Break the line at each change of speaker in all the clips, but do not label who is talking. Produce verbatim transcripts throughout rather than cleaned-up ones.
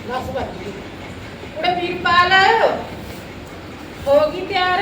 बस बच गई कुड़े वीरपाल होगी तैयार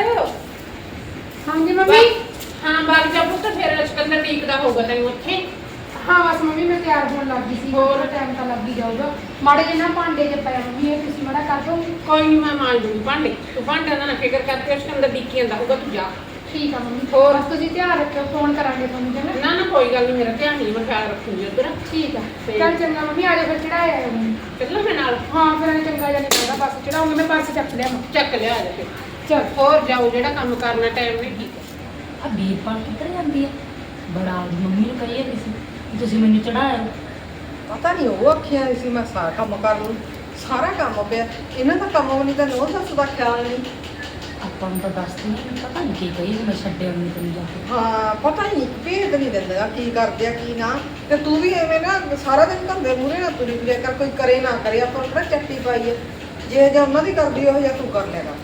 हाँ जी मम्मी
हाँ बाग जा पुੱਤ फिर सिकंदर टीकदा होगा तैਨੂੰ ਉੱਥੇ
हाँ बस मम्मी मैं तैयार होने लग गई सी और टाइम तो लग ही जाऊगा माड़े जे ना भांडे जे पए मम्मी ये तुसी माड़ा कर दो
कोई नहीं मैं मांज दूंगी भांडे तू भांडे ਦਾ ਨਾ ਫਿਕਰ ਕਰਕੇ ਸਿਕੰਦਰ ਡੀਕੀ ਜਾਂਦਾ ਹੋਊਗਾ ਤੂੰ ਜਾ
ठीक है मम्मी और बस तुसी ध्यान रखियो फोन करांगे तुहानू चंगा
ना ना कोई गल नहीं मेरा ध्यान नहीं मैं ख्याल रखूंगी उधर
ठीक है चल चंगा मम्मी आ जा फिर चढ़ाया
चलो मैं नाल
हाँ फिर ऐ चंगा जा नहीं पता बस चढ़ाऊंगी मैं बस चक लिया
ਚੱਕ ਲਿਆ ਜਾ ਫਿਰ
चल
ਹੋਰ ਜਾਓ ਜਿਹੜਾ ਕੰਮ ਕਰਨਾ ਟਾਈਮ ਨਹੀਂ ਠੀਕ
ਆ ਵੀਰਪਾਲ ਕਿੱਧਰ ਜਾਂਦੀ ਆ ਬੜਾ ਆਪਦੀ ਮੰਮੀ ਨੂੰ ਕਹੀ ਜਾਂਦੀ ਸੀ ਕਿ ਤੁਸੀਂ ਮੈਨੂੰ ਚੜਾਇਆ
ਪਤਾ ਨਹੀਂ ਉਹ ਆਖਿਆ ਸੀ ਮੈਂ ਸਾਰਾ ਕੰਮ ਕਰ ਲੂੰ ਸਾਰਾ ਕੰਮ ਪਿਆ ਇਹਨਾਂ ਦਾ ਕੰਮ ਨਹੀਂ ਤਾਂ ਨੋ ਸੱਸ ਦਾ ਖਿਆਲ ਨਹੀਂ
ਆਪਾਂ ਨੂੰ ਤਾਂ ਦੱਸਦੀ ਨਹੀਂ ਪਤਾ ਨਹੀਂ ਕੀ ਕਹੀ ਮੈਂ ਛੱਡਿਆ ਨਹੀਂ ਤੈਨੂੰ ਜਾ ਕੇ
ਹਾਂ ਪਤਾ ਹੀ ਨਹੀਂ ਭੇਦ ਨਹੀਂ ਦਿੰਦਾ ਕੀ ਕਰਦੇ ਆ ਕੀ ਨਾ ਤੇ ਤੂੰ ਵੀ ਐਵੇਂ ਨਾ ਸਾਰਾ ਦਿਨ ਧੰਦੇ ਮੂਰੇ ਨਾ ਤੁਰੀ ਫਿਰਿਆ ਕਰ ਕੋਈ ਕਰੇ ਨਾ ਕਰੇ ਆਪਾਂ ਨੂੰ ਕਿਹੜਾ ਚੱਟੀ ਪਾਈ ਹੈ ਜੇ ਜੇ ਉਹਨਾਂ ਦੀ ਕਰਦੀ ਉਹ ਜਾਂ ਤੂੰ ਕਰ ਲੈਗਾ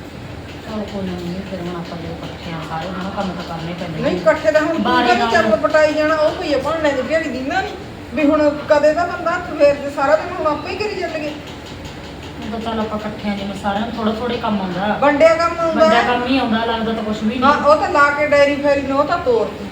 ਚਲ ਕੋਈ ਨਹੀਂ ਫਿਰ ਹੁਣ ਆਪਾਂ ਜਦੋਂ ਇਕੱਠੇ ਆ ਸਾਰੇ ਹੁਣ ਕੰਮ ਤਾਂ ਕਰਨੇ ਪੈਂਦੇ
ਨਹੀਂ ਇਕੱਠੇ ਦਾ ਹੁਣ
ਬਾਰੀ
ਤੂੰ ਵੀ
ਨਾਲ।
ਚੱਲ ਪਟਾਈ ਜਾਣਾ ਉਹ ਕੋਈ ਭਾਣੇ ਦੀ ਢੇੜੀ ਦਿੰਦਾ ਨਹੀਂ ਵੀ ਹੁਣ ਕਦੇ ਦਾ ਬੰਦਾ ਹੱਥ ਫੇਰਦੇ ਸਾਰਾ ਦਿਨ ਹੁਣ ਆਪੇ ਹੀ ਕਰੀ ਚੱਲਗੇ
ਹੁਣ ਤਾਂ ਚੱਲ ਆਪਾਂ ਇਕੱਠੇ ਆ ਜਿਵੇਂ ਸਾਰਿਆਂ ਨੂੰ ਥੋੜਾ ਥੋੜੇ ਕੰਮ ਆਉਂਦਾ
ਵੰਡਿਆ ਕੰਮ ਹੁੰਦਾ
ਵੱਡਾ
ਹੈ।
ਕੰਮ ਹੀ ਆਉਂਦਾ ਲੱਗਦਾ ਤਾਂ ਕੁਝ ਵੀ
ਹਾਂ
ਨਹੀਂ
ਉਹ ਤਾਂ ਲਾ ਕੇ ਡਾਇਰੀ ਫੇਰੀ ਨੂੰ ਉਹ ਤਾਂ ਤੋੜਦੀ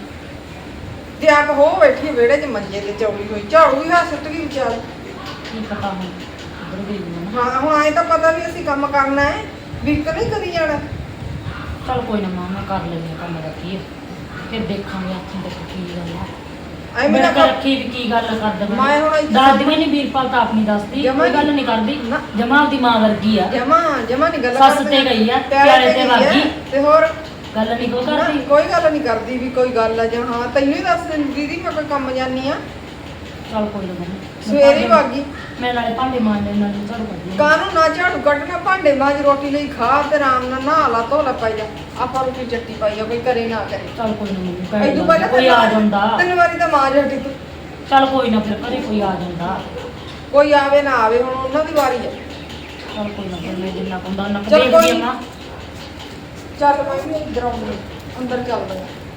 ਜੇ ਆਪ ਹੋ ਬੈਠੀ ਵਿਹੜੇ 'ਚ ਮੰਜੇ ਤੇ ਚੌੜੀ ਹੋਈ ਝਾੜੂ ਵੀ ਹੱਥ ਸੁੱਟ ਗਈ ਵਿਚਾਰ
ਕੀ ਪਤਾ ਹੁਣ ਕਿੱਧਰ ਗਈ ਹੋਣਾ
ਹਾਂ ਹੁਣ ਆਏ ਤਾਂ ਪਤਾ ਵੀ ਅਸੀਂ ਕੰਮ ਕਰਨਾ ਹੈ ਵੀ ਇੱਕ ਨਹੀਂ ਕਰੀ ਜਾਣਾ
ਚਲ ਕੋਈ ਨਾ ਮਾਂ ਮੈਂ ਕਰ ਲੈਂਦੀ ਹਾਂ ਕੰਮ ਦਾ ਕੀ ਹੈ ਫਿਰ ਦੇਖਾਂਗੇ ਆਖਾਂ ਤੇ ਕੀ ਗੱਲ ਆ
ਐ ਮੇਰਾ
ਮੈਂ ਰੱਖੀ ਵੀ ਕੀ ਗੱਲ ਕਰਦਾ
ਮੈਂ ਹੁਣ ਇੱਥੇ
ਦੱਸਦੀ ਵੀ ਨਹੀਂ ਵੀਰਪਾਲ ਤਾਂ ਆਪਣੀ ਦੱਸਦੀ
ਜਮਾਂ
ਕੋਈ ਗੱਲ ਨਹੀਂ ਕਰਦੀ
ਨਾ।
ਜਮਾ ਆਪਦੀ ਮਾਂ ਵਰਗੀ ਆ
ਜਮਾ ਜਮਾ ਨਹੀਂ ਗੱਲ
ਸੱਸ ਤੇ ਗਈ ਆ, ਪਿਆਰੇ ਤੇ
ਗਈ
ਵਗ
ਆ,
ਗਈ।
ਤੇ ਹੋਰ
ਗੱਲ ਨਹੀਂ ਕੋਈ
ਨਾ,
ਕਰਦੀ
ਕੋਈ ਗੱਲ ਨਹੀਂ ਕਰਦੀ ਵੀ ਕੋਈ ਗੱਲ ਆ ਜਾਂ ਹਾਂ ਤੈਨੂੰ ਹੀ ਦੱਸ ਦਿੰਦੀ ਦੀਦੀ ਮੈਂ ਕੋਈ ਕੰਮ ਜਾਨੀ ਆ
ਚਲ ਕੋਈ ਨਾ ਮੰਮੀ। ਮੈਂ
ਸਵੇਰੇ ਹੀ
ਭਾਂਡੇ-
ਵਾਗੀ
ਮੈਂ ਨਾਲੇ ਭਾਂਡੇ ਮਾਂਜਦੇ ਨਾਲੇ ਝਾੜੂ ਕੱਢਦੀ
ਕਾਹਨੂੰ ਨਾ ਝਾੜੂ ਕੱਢਣਾ ਭਾਂਡੇ ਮਾਂਜ ਰੋਟੀ ਲਈ ਖਾ ਤੇ ਆਰਾਮ ਨਾਲ ਨਹਾ ਲਾ ਧੋ ਲਾ ਪਾਈ ਜਾ ਆਪਾਂ ਰੋਟੀ ਚੱਟੀ ਪਾਈ ਜਾ ਕੋਈ ਕਰੇ ਨਾ ਕਰੇ
ਚਲ ਕੋਈ ਨਾ ਮੰਮੀ
ਐਦੂ
ਭੈਣ
ਪਹਿਲਾਂ
ਕੋਈ ਆ ਜਾਂਦਾ
ਤਿੰਨ ਵਾਰੀ ਤਾਂ ਮਾਂਜ ਹਟੀ ਤੂੰ
ਚਲ ਕੋਈ ਨਾ ਫਿਰ ਘਰੇ ਕੋਈ ਆ ਜਾਂਦਾ
ਕੋਈ ਆਵੇ ਨਾ ਆਵੇ ਹੁਣ ਉਹਨਾਂ ਦੀ ਵਾਰੀ ਹੈ
ਚਲ ਕੋਈ ਨਾ ਫਿਰ ਮੈਂ ਜਿੰਨਾ ਕੁੰਦਾ ਉਹਨਾਂ
ਚੱਲ
ਦੇਖਦੀ
ਕੋਈ
ਆ ਮਾਂ
ਚੱਲ ਮੈਂ ਵੀ ਇੱਧਰ ਆਉਂਦੀ ਅੰਦਰ ਚੱਲਦਾ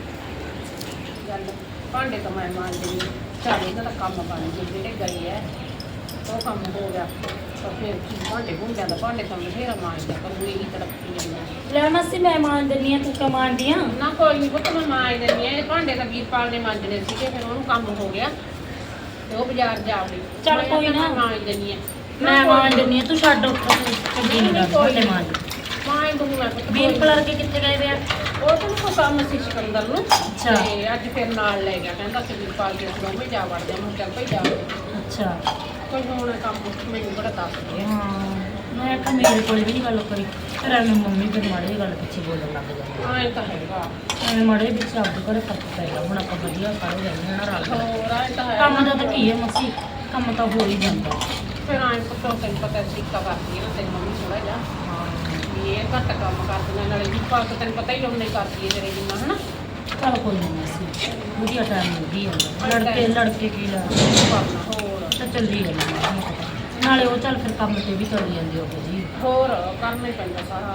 ਗੱਲ ਭਾਂਡੇ ਤਾਂ ਮੈਂ ਮਾਂਜ ਦਿੰਦੀ ਸਾਰੇ ਇਹਨਾਂ ਦਾ ਕੰਮ ਬਣ ਗਏ ਜਿਹੜੇ ਗਏ ਐ ਉਹ ਕੰਮ ਹੋ ਗਿਆ ਤਾਂ ਫਿਰ ਭਾਂਡੇ ਭੁੰਡਿਆਂ ਦਾ ਭਾਂਡੇ ਤਾਂ ਬਥੇਰਾ ਮਾਂਜਦਾ ਪਰ ਉਹ ਇਹੀ ਤੜਪੀ ਜਾਂਦਾ
ਲੈ ਮਾਸੀ ਮੈਂ ਮਾਂਜ ਦਿੰਦੀ ਆ ਤੂੰ ਕਿਉਂ ਮਾਂਜਦੀ ਆ
ਨਾ ਕੋਈ ਨਹੀਂ ਪੁੱਤ ਮੈਂ ਮਾਂਜ ਦਿੰਦੀ ਆ ਇਹ ਭਾਂਡੇ ਤਾਂ ਵੀਰਪਾਲ ਨੇ ਮਾਂਜਣੇ ਸੀਗੇ ਫਿਰ ਉਹਨੂੰ ਕੰਮ ਹੋ ਗਿਆ ਤੇ ਉਹ ਬਾਜ਼ਾਰ ਜਾ ਵੜੀ
ਚੱਲ
ਮੈਂ
ਕੋਈ
ਕਿਹਾ
ਨਾ।
ਮੈਂ ਮਾਂਜ ਦਿੰਦੀ ਆ
ਮੈਂ ਮਾਂਜ ਦਿੰਦੀ ਆ ਤੂੰ ਛੱਡ ਉੱਠ ਚੰਗੀ ਨਹੀਂ ਲੱਗਦੀ ਭਾਂਡੇ ਮਾਂਜ
ਮਾਂਜ ਦੂੰਗੀ ਮੈਂ ਪੁੱਤ
ਵੀਰ ਕਲਰ ਕੇ ਕਿੱਥੇ ਗਏ ਵੇ ਆ
ਉਹ ਤਾਂ ਕੋਈ ਕੰਮ ਸੀ ਸਿਕੰਦਰ ਨੂੰ
ਅੱਛਾ।
ਤੇ ਅੱਜ ਫਿਰ ਨਾਲ ਲੈ ਗਿਆ ਕਹਿੰਦਾ ਕਿ ਵੀਰਪਾਲ ਕੇ ਦੋਵੇਂ ਜਾ ਵੜਦੇ ਆ ਮੈਂ ਕਿਹਾ ਚੱਲ ਭਾਈ ਜਾ ਵੜਦੇ।
ਅੱਛਾ
ਕੋਈ ਹੁਣ ਕੰਮ ਮੈਨੂੰ ਬੜਾ ਦੱਸ ਗਿਆ
ਹਾਂ ਮੈਂ ਕਿਹਾ ਮੇਰੇ ਕੋਲ ਵੀ ਨਹੀਂ ਗੱਲ ਕਰੀ ਫਿਰ ਐਵੇਂ ਮੰਮੀ ਫਿਰ ਮਾੜੇ ਜਿਹੀ ਗੱਲ ਪਿੱਛੇ ਬੋਲਣ ਲੱਗ ਜਾਂਦੀ
ਹਾਂ ਇਹ ਤਾਂ ਹੈਗਾ
ਐਵੇਂ ਮਾੜੇ ਜਿਹੇ ਪਿੱਛੇ ਆਪਦੇ ਘਰੇ ਫਰਕ ਪੈ ਗਿਆ ਹੁਣ ਆਪਾਂ ਵਧੀਆ ਸਾਰੇ ਰਹਿੰਦੇ ਹਾਂ ਨਾ ਰਲ ਕੇ।
ਹੋਰ ਆਏ ਤਾਂ ਹੈ
ਕੰਮ ਦਾ ਤਾਂ ਕੀ ਹੈ ਮਸੀ ਕੰਮ ਤਾਂ ਹੋ ਹੀ ਜਾਂਦਾ
ਫਿਰ ਆਏ ਪੁੱਤੋਂ ਤੈਨੂੰ ਪਤਾ ਸਿੱਕਾ ਕਰਦੀ ਹੈ ਨਾ ਤੇਰੀ ਮੰਮੀ ਥੋੜਾ ਜਿਹਾ ਵੀ ਇਹ ਘੱਟ ਕੰਮ ਕਰਦੀਆਂ ਨਾਲੇ ਵੀਰਪਾਲ ਤਾਂ ਤੈਨੂੰ ਪਤਾ ਹੀ ਉਹਨੇ ਕਰਦੀ ਹੈ ਤੇਰੇ ਜਿੰਨਾ ਹਨਾ
ਚਲ ਕੋਈ ਨਹੀਂ ਮਸੀ ਵਧੀਆ ਟਾਈਮ ਮਿਲ ਗਈ ਜਾਂਦਾ ਲੜਕੇ ਲੜਕੇ ਕੀ ਲਾ
ਕਰਨਾ ਹੋਰ
ਤਾਂ ਚੱਲੀ ਜਾਂਦਾ ਨਾਲੇ ਉਹ ਚੱਲ ਫਿਰ ਕੰਮ ਤੇ ਵੀ ਚਲੀ ਜਾਂਦੀ ਉਹ ਜੀ
ਹੋਰ ਕਰਨਾ ਹੀ ਪੈਂਦਾ ਸਾਰਾ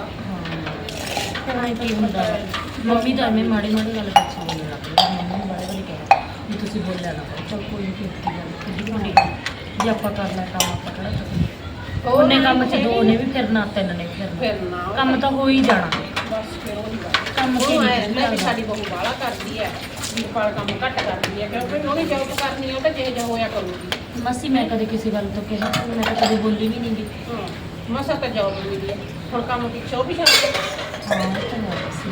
ਹਾਂ ਫਿਰ ਆਈ ਕੀ ਹੁੰਦਾ ਵਾ। ਮੰਮੀ ਤਾਂ ਐਵੇਂ ਮਾੜੀ ਮਾੜੀ ਗੱਲ ਪਿੱਛੇ ਬੋਲਣ ਲੱਗ ਪਈ ਮੰਮੀ ਨੇ ਬੜੇ ਬੜੇ ਕਿਹਾ ਵੀ ਤੁਸੀਂ ਬੋਲਿਆ ਨਾ ਕਰੋ ਚਲ ਕੋਈ ਨਹੀਂ ਕੀਤੀ ਗੱਲ ਕਿੱਡੀ ਵੱਡੀ ਗੱਲ ਜੇ ਆਪਾਂ ਕਰਨਾ ਕੰਮ ਆਪਾਂ ਕਿਹੜਾ ਚੁੱਕਣਾ ਉਹਨੇ ਕੰਮ 'ਚ ਦੋ ਨੇ ਵੀ ਫਿਰਨਾ ਤਿੰਨ ਨੇ ਵੀ ਫਿਰਨਾ
ਫਿਰ ਨਾ
ਕੰਮ ਤਾਂ ਹੋ ਹੀ ਜਾਣਾ
ਬਸ ਫਿਰ ਉਹੀ ਗੱਲ
ਕੰਮ ਕੀ
ਉਹ
ਨਹੀਂ
ਆਏ ਰਹਿੰਦਾ ਵੀ
ਲੱਗਦਾ।
ਸਾਡੀ ਬਹੂ ਬਾਹਲਾ ਕਰਦੀ ਹੈ ਵੀਰਪਾਲ ਕੰਮ ਘੱਟ ਕਰਦੀ ਹੈ ਕਿਉਂਕਿ ਉਹਨੇ ਜੋਬ ਕਰਨੀ ਹੈ ਉਹ ਤਾਂ ਜਿਹੇ ਜਿਹਾ ਹੋਇਆ ਕਰੂਗੀ
ਮਾਸੀ ਮੈਂ ਕਦੇ ਕਿਸੇ ਗੱਲ ਤੋਂ ਕਿਹਾ ਮੈਂ ਤਾਂ ਕਦੇ ਬੋਲੀ ਵੀ ਨਹੀਂ ਗੀ
ਹਾਂ ਮਸਾ ਤਾਂ ਜੋਬ ਮਿਲੀ ਹੈ ਹੁਣ ਕੰਮ ਪਿੱਛੇ ਉਹ ਵੀ ਛੱਡ ਦੇ
ਹਾਂ ਇਹ ਤਾਂ ਹੈ ਮਾਸੀ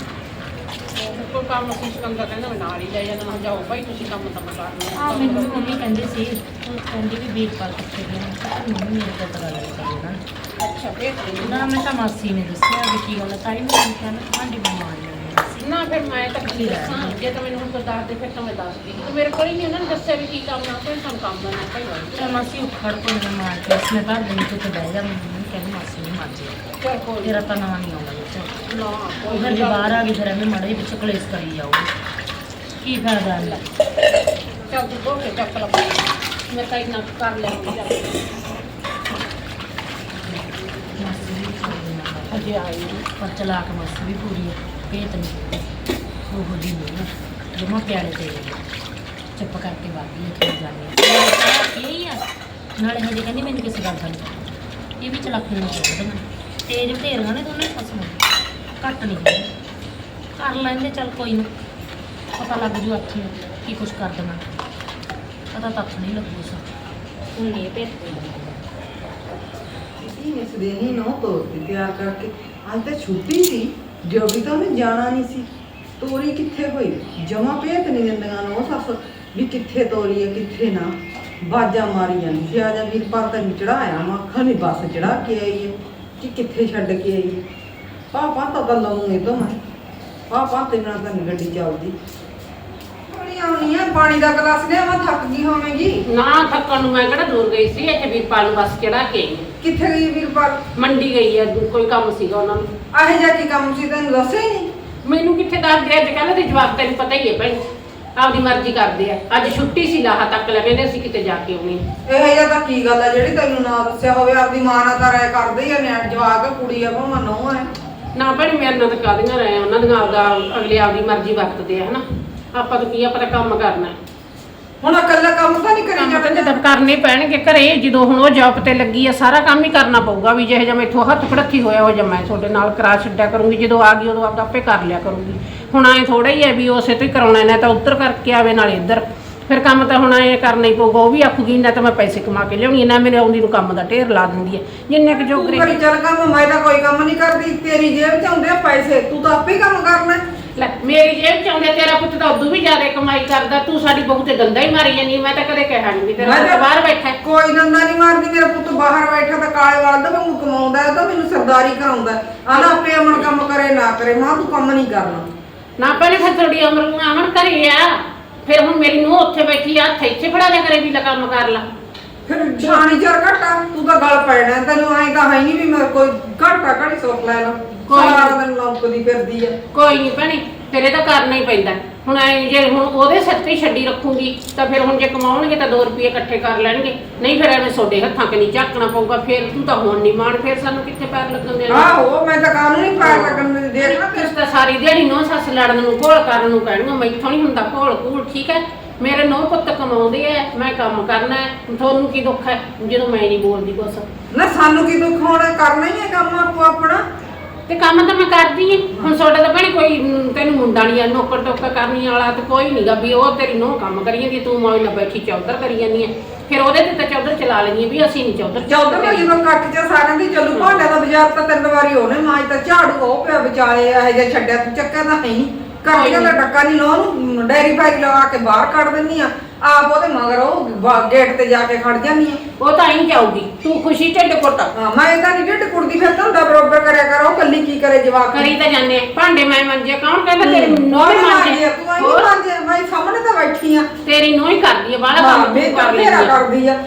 ਕੋਈ ਕੰਮ ਅਸੀਂ ਸਿਕੰਦਰ ਕਹਿੰਦਾ ਮੈਂ ਨਾਲ ਹੀ ਲੈ ਜਾਂਦਾ ਮੈਂ ਕਿਹਾ ਜਾਓ ਭਾਈ ਤੁਸੀਂ ਕੰਮ ਤਾਂ ਮੈਂ ਕਰਨਾ
ਹਾਂ ਮੈਨੂੰ ਵੀ ਮੰਮੀ ਕਹਿੰਦੇ ਸੀ ਕਹਿੰਦੀ ਵੀ ਵੀਰਪਾਲ ਕਿੱਥੇ ਗਈ ਮੈਂ ਕਿਹਾ ਮੰਮੀ ਮੇਰੇ ਕੋਲ ਤਾਂ ਗੱਲ ਨਹੀਂ ਕਰੀ ਉਹਨਾਂ ਨੇ
ਅੱਛਾ ਭੇਜ ਦੇ
ਨਾ ਮੈਂ ਤਾਂ ਮਾਸੀ ਨੇ ਦੱਸਿਆ ਵੀ ਕੀ ਗੱਲ ਹੈ ਤਾਈ ਮੈਨੂੰ ਕਿਹਾ ਮੈਂ ਤੁਹਾਡੀ ਬਿਮਾਰ ਨਹੀਂ
ਨਾ ਫਿਰ ਮੈਂ ਤਾਂ ਕੀ ਦੱਸਾਂ ਜੇ ਤਾਂ ਮੈਨੂੰ ਹੁਣ ਕੋਈ ਦੱਸ ਦੇ ਫਿਰ ਤਾਂ ਮੈਂ ਦੱਸਦੀ ਤੂੰ ਮੇਰੇ ਕੋਲ ਹੀ ਨਹੀਂ ਉਹਨਾਂ ਨੇ ਦੱਸਿਆ ਵੀ ਕੀ ਕੰਮ ਆ ਕੋਈ ਸਾਨੂੰ ਕੰਮ ਦਾ ਨਾ ਭਾਈ
ਚਲ ਮਾਸੀ ਉਖੜ ਕੋ ਨਾ ਮਾਰ ਕੇ ਉਸਨੇ ਘਰ ਦੇ ਵਿੱਚ ਬਹਿ ਜਾ ਮੈਨੂੰ ਕਹਿੰਦੀ ਮਾਸੀ ਨੂੰ ਮਾਰ ਜੇ
ਚੱਲ ਕੋਈ
ਤੇਰਾ ਤਾਂ ਨਾਂ ਨਹੀਂ ਆਉਂਦਾ ਵਿੱਚ
ਨਾ
ਉਹ
ਕੋਈ
ਫਿਰ ਜੇ ਬਾਹਰ ਆ ਗਈ ਫਿਰ ਐਵੇਂ ਮਾੜੇ ਜਿਹੇ ਪਿੱਛੇ ਕਲੇਸ਼ ਕਰੀ ਜਾਊਗੀ ਕੀ ਫਾਇਦਾ ਹੈ
ਚੱਲ ਤੂੰ ਧੋ ਕੇ ਚੱਕ ਲਾ ਮੈਂ ਤਾਂ ਇੰਨਾ ਕਰ ਲੈਂਦੀ ਚੱਲ
ਮਾਸੀ ਵੀ ਛੱਡ ਦੇਣਾ
ਅਜੇ ਆਈ ਨੀ।
ਪਰ ਚਲਾ ਕੇ ਮਾਸੀ ਵੀ ਪੂਰੀ ਹੈ ਭੇਤ ਨਹੀਂ ਉਹ ਜੀ ਨਹੀਂ ਜਮਾ ਪਿਆਰੇ ਤੇ ਚੁੱਪ ਕਰਕੇ ਬਾਗੀ ਇੱਥੇ ਜਾਂਦੀ ਹੈ ਕੀ ਆ ਨਾਲੇ ਹਜੇ ਕਹਿੰਦੀ ਮੈਨੂੰ ਕਿਸੇ ਗੱਲ ਦਾ ਨਹੀਂ ਇਹ ਵੀ ਚਲਾਕੀਆਂ ਕਰਦੀਆਂ ਤੇਜ਼ ਬਥੇਰੀਆਂ ਨੇ ਦੋਨੇ ਸੱਸ ਨੂੰ ਘੱਟ ਨਹੀਂ ਹੈਗੀਆਂ। ਕਰ ਲੈਂਦੇ ਚੱਲ ਕੋਈ ਨਾ ਪਤਾ ਲੱਗ ਜੂ ਅੱਖੀ ਕੀ ਕੁਛ ਕਰ ਦੇਣਾ ਪਤਾ ਤੱਕ ਨਹੀਂ ਲੱਗੂ ਸਾ ਹੁਣ ਨਹੀਂ ਭੇਤ
ਇਸ ਦਿਨ ਹੀ ਨੋ ਤੋਰਤੀ ਤਿਆਰ ਕਰਕੇ ਅੱਜ ਤਾਂ ਛੁੱਟੀ ਸੀ ਜੋ ਵੀ ਤਾਂ ਉਹਨੇ ਜਾਣਾ ਨਹੀਂ ਸੀ ਤੋਰੀ ਕਿੱਥੇ ਹੋਈ ਜਮਾ ਭੇਤ ਨਹੀਂ ਦਿੰਦੀਆਂ ਨੋ ਸੱਸ ਵੀ ਕਿੱਥੇ ਤੋਰੀ ਹੈ ਕਿੱਥੇ ਨਾ ਬਾਜਾ ਮਾਰੀ ਜਾਂਦੀ ਸੀ ਆ ਜਾ ਵੀਰਪਾਲ ਤੈਨੂੰ ਚੜਾਇਆ ਮੈਂ ਅੱਖਾਂ ਨਹੀਂ ਬੱਸ ਚੜਾ ਕੇ ਆਈ ਹੈ ਕਿ ਕਿੱਥੇ ਛੱਡ ਕੇ ਆਈ ਹੈ ਪਾਪਾ ਤਾਂ ਗੱਲ ਲਾਉਂਗੇ ਤਾਂ ਮੈਂ ਪਾਪਾ ਤੇ ਨਾਲ ਤਾਂ ਨੀ ਗੱਡੀ ਚੱਲਦੀ ਪਾਣੀ ਆਉਣੀ ਆ ਪਾਣੀ ਦਾ ਗਲਾਸ ਲਿਆ ਮੈਂ ਥੱਕ ਗਈ ਹੋਵੇਂਗੀ
ਨਾ ਥੱਕਣ ਨੂੰ ਮੈਂ ਕਿਹੜਾ ਦੂਰ ਗਈ ਸੀ ਇੱਥੇ ਵੀਰਪਾਲ ਨੂੰ ਬੱਸ ਚੜਾ ਕੇ ਆਈ ਹਾਂ।
ਕਿੱਥੇ ਗਈ ਵੀਰਪਾਲ
ਮੰਡੀ ਗਈ ਹੈ ਕੋਈ ਕੰਮ ਸੀਗਾ ਉਹਨਾਂ ਨੂੰ।
ਆਹੇ ਜਾ ਕੀ ਕੰਮ ਸੀ ਤੈਨੂੰ ਦੱਸਿਆ ਹੀ ਨਹੀਂ
ਮੈਨੂੰ ਕਿੱਥੇ ਦੱਸਦੇ ਅੱਜ ਕੱਲ੍ਹ ਦੇ ਜਵਾਬ ਤੈਨੂੰ ਪਤਾ ਹੀ ਹੈ ਭੈਣ ਆਪਦੀ ਮਰਜ਼ੀ ਕਰਦੇ ਆ ਅੱਜ ਛੁੱਟੀ ਸੀ ਲਾਹਾ ਤੱਕ ਲੈ ਕਹਿੰਦੇ ਅਸੀਂ ਕਿਤੇ ਜਾ ਕੇ ਆਉਣੀ
ਇਹ ਜਿਹਾ ਤਾਂ ਕੀ ਗੱਲ ਆ ਜਿਹੜੀ ਤੈਨੂੰ ਨਾ ਦੱਸਿਆ ਹੋਵੇ ਆਪਦੀ ਮਾਂ ਨਾਲ ਤਾਂ ਰਾਇ ਕਰਦੇ ਹੀ ਆ ਨਿਆਣ ਜਵਾਕ ਕੁੜੀ ਆ ਭਾਵੇਂ ਨਹੁੰ ਆ
ਨਾ ਭੈਣ ਮੇਰੇ ਨਾਲ ਤਾਂ ਕਾਹਦੀਆਂ ਰਹੇ ਉਹਨਾਂ ਦੀਆਂ ਆਪਦਾ ਅਗਲੇ ਆਪਦੀ ਮਰਜ਼ੀ ਵਰਤਦੇ ਆ ਹਨਾ ਆਪਾਂ ਤਾਂ ਕੀ ਆਪਾਂ ਤਾਂ ਕੰਮ ਕਰਨਾ
ਹੁਣ ਇਕੱਲਾ ਕੰਮ ਤਾਂ ਨਹੀਂ ਕਰੀ
ਕੰਮ ਤਾਂ
ਜਾਂਦਾ
ਜਦ ਕਰਨੇ ਪੈਣਗੇ ਘਰੇ ਜਦੋਂ ਹੁਣ ਉਹ ਜੌਬ ਤੇ ਲੱਗੀ ਆ ਸਾਰਾ ਕੰਮ ਹੀ ਕਰਨਾ ਪਊਗਾ ਵੀ ਜਿਹੇ ਜਿਹਾ ਮੈਥੋਂ ਹੱਥ ਫੜੱਥੀ ਹੋਇਆ ਹੋ ਜਾਂ ਮੈਂ ਤੁਹਾਡੇ ਨਾਲ ਕਰਾ ਛੱਡਿਆ ਕਰੂੰਗੀ ਜਦੋਂ ਆ ਗਈ ਉਦੋਂ ਆਪਦਾ ਆਪੇ ਕਰ ਲਿਆ ਕਰੂੰਗੀ ਹੁਣ ਐ ਥੋੜਾ ਹੀ ਹੈ ਵੀ ਉਸੇ ਤੋਂ ਹੀ ਕਰਾਉਣਾ ਨਾ ਤਾਂ ਉੱਧਰ ਕਰਕੇ ਆਵੇ ਨਾਲ ਇੱਧਰ ਫਿਰ ਕੰਮ ਤਾਂ ਹੁਣ ਐ ਕਰਨਾ ਹੀ ਪਊਗਾ ਉਹ ਵੀ ਆਖੂਗੀ ਨਾ ਤਾਂ ਮੈਂ ਪੈਸੇ ਕਮਾ ਕੇ ਲਿਆਉਣੀ ਨਾ ਮੇਰੇ ਆਉਂਦੀ ਨੂੰ ਕੰਮ ਦਾ ਢੇਰ ਲਾ ਦਿੰਦੀ ਹੈ ਜਿੰਨੇ ਕੁ
ਤੂੰ
ਜੋਗਰੇ
ਕਰੀ ਚੱਲ ਕੰਮ ਮੈਂ ਤਾਂ ਕੋਈ ਕੰਮ ਨਹੀਂ ਕਰਦੀ ਤੇਰੀ ਜੇਬ ਚ ਆਉਂਦੇ ਆ ਪੈਸੇ ਤੂੰ ਤਾਂ ਆਪੇ ਕੰਮ ਕਰਨਾ
ਲੈ ਮੇਰੀ ਜੇਬ ਚ ਆਉਂਦੇ ਤੇਰਾ ਪੁੱਤ ਤਾਂ ਉਦੋਂ ਵੀ ਜ਼ਿਆਦਾ ਕਮਾਈ ਕਰਦਾ ਤੂੰ ਸਾਡੀ ਬਹੂ ਤੇ ਦੰਦਾ ਹੀ ਮਾਰੀ ਜਾਂਦੀ ਮੈਂ ਤਾਂ ਕਦੇ ਕਿਹਾ ਨਹੀਂ ਵੀ ਤੇਰਾ
ਮੈਂ
ਪੁੱਤ
ਤਾਂ-
ਬਾਹਰ ਬੈਠਾ ਹੈ।
ਕੋਈ ਦੰਦਾ ਨਹੀਂ ਮਾਰਦੀ ਮੇਰਾ ਪੁੱਤ ਬਾਹਰ ਬੈਠਾ ਤਾਂ ਕਾਲੇ ਵਾਲ ਦਾ ਵਾਂਗੂ ਕਮਾਉਂਦਾ ਹੈ ਤਾਂ ਮੈਨੂੰ ਸਰਦਾਰੀ ਕਰਾਉਂਦਾ ਆਨਾ ਆਪੇ ਅਮਨ ਕੰਮ ਕਰੇ ਨਾ ਕਰੇ ਮਾਂ ਤੂੰ ਕੰਮ ਨਹੀਂ ਕਰਨਾ
ਨਾ ਪਹਿਲੇ ਫਿਰ ਤੁਹਾਡੀ ਉਮਰ ਨੂੰ ਆਵਣ ਕਰੀ ਆ ਫਿਰ ਹੁਣ ਮੇਰੀ ਨੂੰ ਉੱਥੇ ਬੈਠੀ ਆ ਹੱਥ ਇੱਥੇ ਫੜਾ ਲਿਆ ਕਰੇ ਵੀ ਲੈ ਕੰਮ ਕਰ ਲਾ
ਫਿਰ ਛਾਣੀ ਚਰ ਘਟਾ ਤੂੰ ਤਾਂ ਗੱਲ ਪੈਣਾ ਤੈਨੂੰ ਐਂ ਤਾਂ ਹੈ ਨਹੀਂ ਵੀ ਮੈਂ ਕੋਈ ਘਾਟਾ ਘੜੀ ਸੁੱਕ ਲੈ ਲਾ
ਕੋਈ ਨੀ।
ਸਾਰਾ ਦਿਨ ਲੰਕਦੀ ਫਿਰਦੀ ਆ
ਕੋਈ ਨਹੀਂ ਭੈਣੇ ਫਿਰ ਇਹ ਤਾਂ ਕਰਨਾ ਹੀ ਪੈਂਦਾ ਹੁਣ ਐ ਜੇ ਹੁਣ ਉਹਦੇ ਸਿਰ ਤੇ ਹੀ ਛੱਡੀ ਰੱਖੂਗੀ ਤਾਂ ਫਿਰ ਹੁਣ ਜੇ ਕਮਾਉਣਗੇ ਤਾਂ ਦੋ ਰੁਪਏ ਇਕੱਠੇ ਕਰ ਲੈਣਗੇ ਨਹੀਂ ਫਿਰ ਐਵੇਂ ਤੁਹਾਡੇ ਹੱਥਾਂ ਕਿ ਨਹੀਂ ਝਾਕਣਾ ਪਊਗਾ ਫਿਰ ਤੂੰ ਤਾਂ ਹੁਣ ਨਹੀਂ ਮਾਣ ਫਿਰ ਸਾਨੂੰ ਕਿੱਥੇ ਪੈਰ ਲੱਗਣ ਦੇਣਾ
ਆਹੋ ਮੈਂ ਤਾਂ ਕਾਨੂੰਨ ਨਹੀਂ ਪਾਰ ਲੱਗਣ ਦੇ ਦੇਖਣਾ
ਤੁਸੀਂ ਤਾਂ ਸਾਰੀ ਦਿਹਾੜੀ ਨੌ ਸੱਸ ਲੜਨ ਨੂੰ ਘੋਲ ਕਰਨ ਨੂੰ ਕਹਿਣਗੇ ਮੈਥੋਂ ਨਹੀਂ ਹੁੰਦਾ ਘੋਲ ਘੂਲ ਠੀਕ ਹੈ ਮੇਰੇ ਨੌ ਪੁੱਤ ਕਮਾਉਂਦੇ ਐ ਮੈਂ ਕੰਮ ਕਰਨਾ ਹੈ ਤੁਹਾਨੂੰ ਕੀ ਦੁੱਖ ਹੈ ਜਦੋਂ ਮੈਂ ਨਹੀਂ ਬੋਲਦੀ ਕੁਛ
ਨਾ ਸਾਨੂੰ ਕੀ ਦੁੱਖ ਹੋਣਾ ਕਰਨਾ ਹੀ ਹੈ ਕੰਮ ਆਪੋ ਆਪਣਾ
ਤੇ ਕੰਮ ਤਾਂ ਮੈਂ ਕਰਦੀ ਹਾਂ ਹੁਣ ਤੁਹਾਡਾ ਤਾਂ ਭੈਣੇ ਕੋਈ ਮ, ਤੈਨੂੰ ਮੁੰਡਾ ਨਹੀਂ ਆ ਨੌਕਰ ਟੋਕਾ ਕਰਨੀ ਵਾਲਾ ਤੇ ਕੋਈ ਨਹੀਂਗਾ ਵੀ ਉਹ ਤੇਰੀ ਨੌ ਕੰਮ ਕਰੀ ਜਾਂਦੀ ਤੂੰ ਮੌਜ ਨਾਲ ਬੈਠੀ ਚੌਧਰ ਕਰੀ ਜਾਂਦੀ ਹੈ ਫਿਰ ਉਹਦੇ ਤੇ ਤਾਂ ਚੌਧਰ ਚਲਾ ਲੈਣੀ ਵੀ ਅਸੀਂ ਨਹੀਂ ਚੌਧਰ
ਚੌਧਰ ਦਾ ਜਦੋਂ ਕੱਟ ਚ ਸਾਰਿਆਂ ਦੀ ਚੱਲੂ ਭਾਂਡਾ ਦਾ ਬਾਜ਼ਾਰ ਤਾਂ ਤਿੰਨ ਵਾਰੀ ਉਹਨੇ ਮਾਜ ਤਾਂ ਝਾੜੂ ਉਹ ਪਿਆ ਵਿਚਾਲੇ ਇਹ ਜਿਹਾ ਛੱਡਿਆ ਤੂੰ ਚੱਕਿਆ ਤਾਂ ਹੈ ਨਹੀਂ ਘਰ ਦਾ ਟੱਕਾ ਨਹੀਂ ਲੋ ਨੂੰ ਡੈਰੀ ਫਾਈ ਲਵਾ ਕੇ ਬਾਹਰ ਕੱਢ ਦਿੰਨੀ ਆ ਆਪ ਉਹਦੇ ਮਗਰ ਉਹ ਵਾ- ਗੇਟ ਤੇ ਜਾ ਕੇ ਖੜ ਜਾਂਦੀ ਆ
ਉਹ ਤਾਂ ਹੀ ਜਾਊਗੀ ਤੂੰ ਖੁਸ਼ੀ ਢਿੱਡ ਕੁੱਟ
ਹਾਂ ਮੈਂ ਤਾਂ ਨਹੀਂ ਢਿੱਡ ਕੁੜਦੀ ਫਿਰ ਤਾਂ ਹੁੰਦਾ ਬਰੋਬਰ ਕਰਿਆ ਕਰ ਉਹ ਕੱਲੀ ਕੀ ਕਰੇ ਜਵਾਕ
ਕਰੀ ਤਾਂ ਜਾਂਦੇ ਆ। ਭਾਂਡੇ ਮੈਂ ਮੰਜੇ ਕੌਣ ਕਹਿੰਦਾ ਤੇਰੀ ਨੌ
ਨੋਹ
ਹੀ
ਮਾਂਜੇ
ਮੰਜੇ
ਤੂੰ ਆਈ ਮਾਂਜੇ ਮੈਂ ਸਾਹਮਣੇ ਤਾਂ ਬੈਠੀ ਆ
ਤੇਰੀ ਨੌ ਹੀ ਕਰਦੀ ਹੈ ਬਾਹਲਾ
ਹਾਂ
ਕੰਮ
ਮੈਂ
ਤੂੰ
ਤਾਂ
ਕਰ
ਤੇਰਾ
ਲੈਂਦੀ ਹੈ
ਕਰਦੀ ਆ